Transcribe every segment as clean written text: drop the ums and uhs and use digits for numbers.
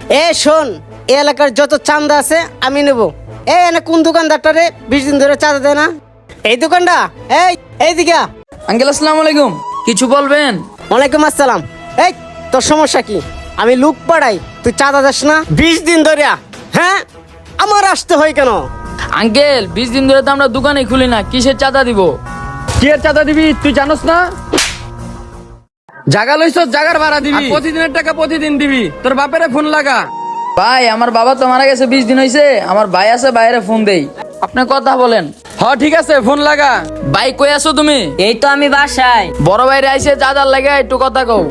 এ শোন, এই এলাকার যত চাঁদা আছে আমি নেব। এনে কোন দোকানদারটারে 20 দিন ধরে চাঁদা দেয় না? এই দোকানটা। এইদিকে আ। আঙ্কেল আসসালামু আলাইকুম, কিছু বলবেন? ওয়ালাইকুম আসসালাম। এই তোর সমস্যা কি? আমি লোক পাড়াই, তুই চাঁদা দিস না 20 দিন ধরে? হ্যাঁ, আমার আসতে হয় কেন? আঙ্কেল 20 দিন ধরে তো আমরা দোকানে খুলি না, কিসের চাঁদা দিব? কি এর চাঁদা দিবি তুই জানোস না? জাগা লইছস, জাগার ভাড়া দিবি, প্রতিদিনের টাকা প্রতিদিন দিবি। তোর বাপেরে ফোন লাগা। ভাই আমার বাবা তো মারা গেছে 20 দিন হয়েছে, আমার ভাই আছে বাইরে ফোন দেই, আপনি কথা বলেন। ঠিক আছে, ফোন লাগা। ভাই কই আছো তুমি? এই তো আমি বাসায়। বড় ভাইরে আইছে চাঁদার লাগে, একটু কথা কও।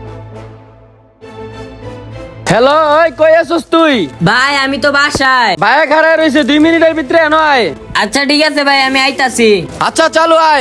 হ্যালো, ওই কই আছিস তুই? ভাই আমি তো বাসায়। ভাইয়া খাড়ায় রইছে, 2 মিনিটের ভিতরে নয়। আচ্ছা ঠিক আছে ভাই, আমি আইতাছি। আচ্ছা চালু আয়।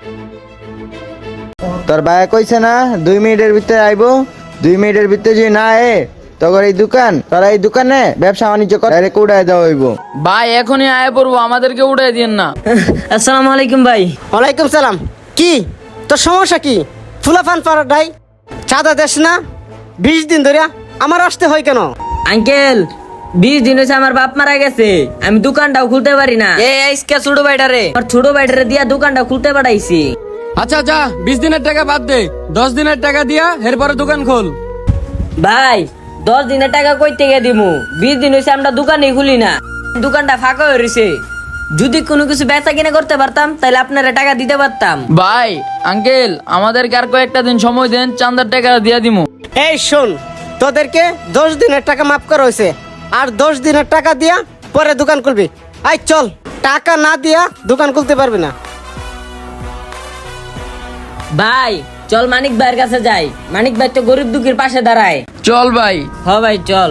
তোর ভাই কইছে না 2 মিনিটের ভিতরে আইবো। 2 মিনিটের ভিতরে যদি না আয়ে তখন এই দোকান, তোরা এই দোকানে ব্যবসা বাণিজ্য করে ডাইরেক্ট উড়াই দেওয়া হইব। ভাই এখনই আয় পড়বো, আমাদেরকে উঠাই দিয়েন না। আসসালামু আলাইকুম ভাই। ওয়ালাইকুম সালাম। কি তোর সমস্যা কি? ফুলাফান পাড়াটাই চাঁদা দেস না 20 দিন ধরে, আমার আসতে হয় কেন? আঙ্কেল 20 দিন হয়েছে আমার বাপ মারা গেছে, আমি দোকানটাও খুলতে পারি না। এই আইসকে ছোট ভাইটারে। আমার ছোট ভাইটারে দিয়া দোকানটা খুলতে পাঠাইছি। আচ্ছা যা, 20 দিনের টাকা বাদ দে, 10 দিনের টাকা দিয়া এরপরে দোকান খোল। ভাই 10 দিনের টাকা কই থেকে দিমু? 20 দিন হয়েছে আমরা দোকানই খুলি না, দোকানটা ফাঁকা হয়ে রয়েছে। যদি কোনো কিছু বেচা কিনা করতে পারতাম তাহলে আপনারা টাকা দিতে পারতাম। ভাই আঙ্কেল আমাদেরকে আর কয়েকটা দিন সময় দেন, চাঁদার টাকা দিয়া দিমু। এই শোন, তোদেরকে 10 দিনের টাকা মাফ করা হয়েছে, আর 10 দিনের টাকা দিয়া পরে দোকান খুলবি। আই চল, টাকা না দিয়া দোকান খুলতে পারবি না। ভাই চল মানিক ভাইয়ের কাছে যাই, মানিক ভাই তো গরিব দুঃখীর পাশে দাঁড়ায়। চল ভাই। ভাই চল।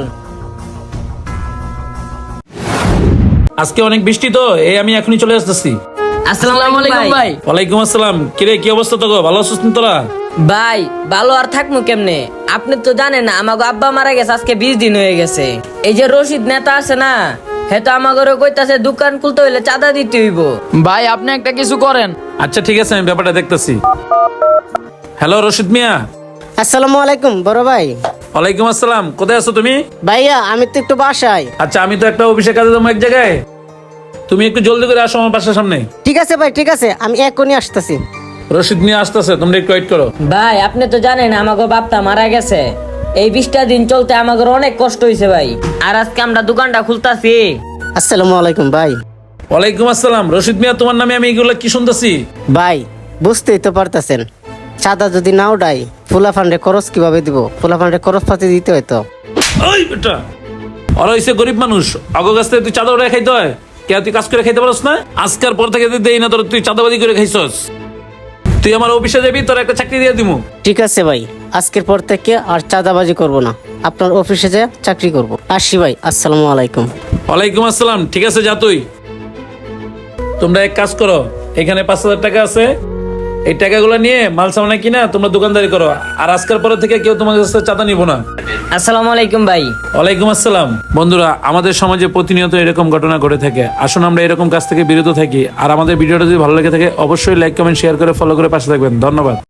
আজকে অনেক বৃষ্টি তো, আমি এখনই চলে আসতেছি। আসসালামু আলাইকুম ভাই। ওয়ালাইকুম আসসালাম। কিরে কি অবস্থা তো? ভালো আছিস তোরা? ভাই ভালো আর থাকবো কেমনে? আপনি তো জানেন না আমাকে আব্বা মারা গেছে, আজকে 20 দিন হয়ে গেছে। এই যে রশিদ নেতা আছে না, হে তো আমাকে কইতাছে দোকান খুলতে হইলে চাঁদা দিতে হইব। ভাই আপনি একটা কিছু করেন। আচ্ছা ঠিক আছে, আমি ব্যাপারটা দেখতেছি। হ্যালো রশিদ মিয়া। আসসালামু আলাইকুম বড় ভাই। ওয়ালাইকুম আসসালাম। কোথায় আছো তুমি? ভাইয়া আমি তো একটু বাসায়। আচ্ছা আমি তো একটা অফিসে কাজে যাবো এক জায়গায়, তুমি একটু জলদি করে আসো আমার বাসার সামনে। ঠিক আছে ভাই, ঠিক আছে, আমি এখনই আসতেছি। রশিদ মিয়া আসতেছে, তোমরা একটু ওয়েট করো। ভাই আপনি তো জানেন আমাকে বাপটা মারা গেছে, এই 20টা দিন চলতে আমাদের অনেক কষ্ট হয়েছে ভাই, আর আজকে আমরা দোকানটা খুলতাছি। আসসালামু আলাইকুম ভাই। ওয়ালাইকুম আসসালাম। রশিদ মিয়া তোমার নামে আমি এগুলো কি শুনতেছি? ভাই বুঝতেই তো পারতেছেন, চাঁদা যদি না উঠাই ফুলা ফান্ডে খরচ কিভাবে দিব? ফুলা ফান্ডে খরচ পাতি দিতে হয় তো। ওই বেটা, ওরা হইছে গরিব মানুষ, অগ কাছ থেকে তুই চাঁদা উঠে খাইতে হয়। কে তুই কাজ করে খাইতে পারস না? আজকের পর থেকে দেই না তোর, তুই চাঁদাবাদি করে খাইছস। তুই আমার অফিসে যাবি, তোর একটা চাকরি দিয়ে দিমু। ঠিক আছে ভাই, আজকের পর থেকে আর চাঁদাবাজি করব না, আপনার অফিসে যা চাকরি করব। আসি ভাই, আসসালামু আলাইকুম। ওয়ালাইকুম আসসালাম। ঠিক আছে যা তুই। তোমরা এক কাজ করো, এখানে 5,000 টাকা আছে, এই টাকাগুলো নিয়ে মাল সামানা কিনা তোমরা দোকানদারি করো, আর আজকের পরে থেকে কেউ তোমার কাছে চাঁদা নিব না। আসসালামু আলাইকুম ভাই। ওয়ালাইকুম আসসালাম। বন্ধুরা, আমাদের সমাজে প্রতিনিয়ত এরকম ঘটনা ঘটে থাকে, আসুন আমরা এরকম কাজ থেকে বিরত থাকি। আর আমাদের ভিডিওটা যদি ভালো লেগে থাকে অবশ্যই লাইক কমেন্ট শেয়ার করে ফলো করে পাশে থাকবেন। ধন্যবাদ।